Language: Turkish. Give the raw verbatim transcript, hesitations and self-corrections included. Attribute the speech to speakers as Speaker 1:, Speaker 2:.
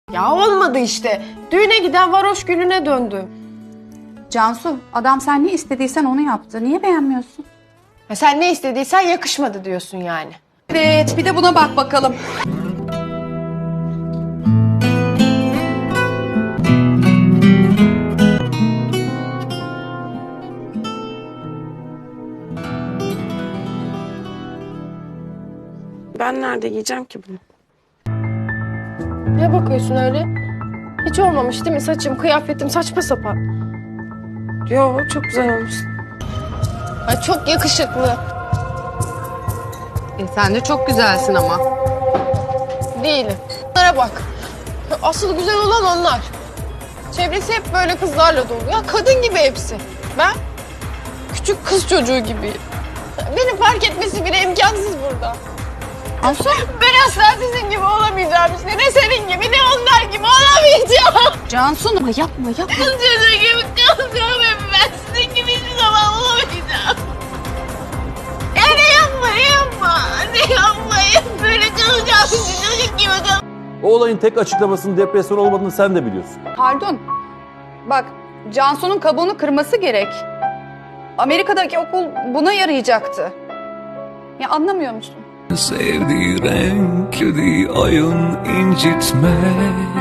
Speaker 1: Ya olmadı işte. Düğüne giden varoş gülüne döndüm.
Speaker 2: Cansu, adam sen ne istediysen onu yaptı. Niye beğenmiyorsun?
Speaker 1: Ya sen ne istediysen yakışmadı diyorsun yani.
Speaker 2: Evet, bir de buna bak bakalım.
Speaker 1: Ben nerede giyeceğim ki bunu? Ne bakıyorsun öyle? Hiç olmamış değil mi saçım, kıyafetim saçma sapan? Yo, çok güzel olmuş. Ay çok yakışıklı.
Speaker 3: E, sen de çok güzelsin ama.
Speaker 1: Değilim. Bunlara bak. Asıl güzel olan onlar. Çevresi hep böyle kızlarla dolu. Ya kadın gibi hepsi. Ben küçük kız çocuğu gibiyim. Beni fark etmesi bile imkansız burada.
Speaker 2: Cansu,
Speaker 1: Ben asla sizin gibi olamayacağım işte. Ne senin gibi ne onlar gibi olamayacağım.
Speaker 2: Cansu ama yapma yapma.
Speaker 1: Kız çocuğu gibi kalacağım hep ben. Sizin gibi hiçbir zaman olamayacağım. Ya ne yapma ne yapma. Ne yapmayın. Böyle kalacağım sizin çocuk gibi kalacağım.
Speaker 4: O olayın tek açıklamasının depresyon olmadığını sen de biliyorsun.
Speaker 2: Pardon. Bak, Cansu'nun kabuğunu kırması gerek. Amerika'daki okul buna yarayacaktı. Ya anlamıyor musun?
Speaker 5: Sevdiği renk, sevdiği ayın incitme.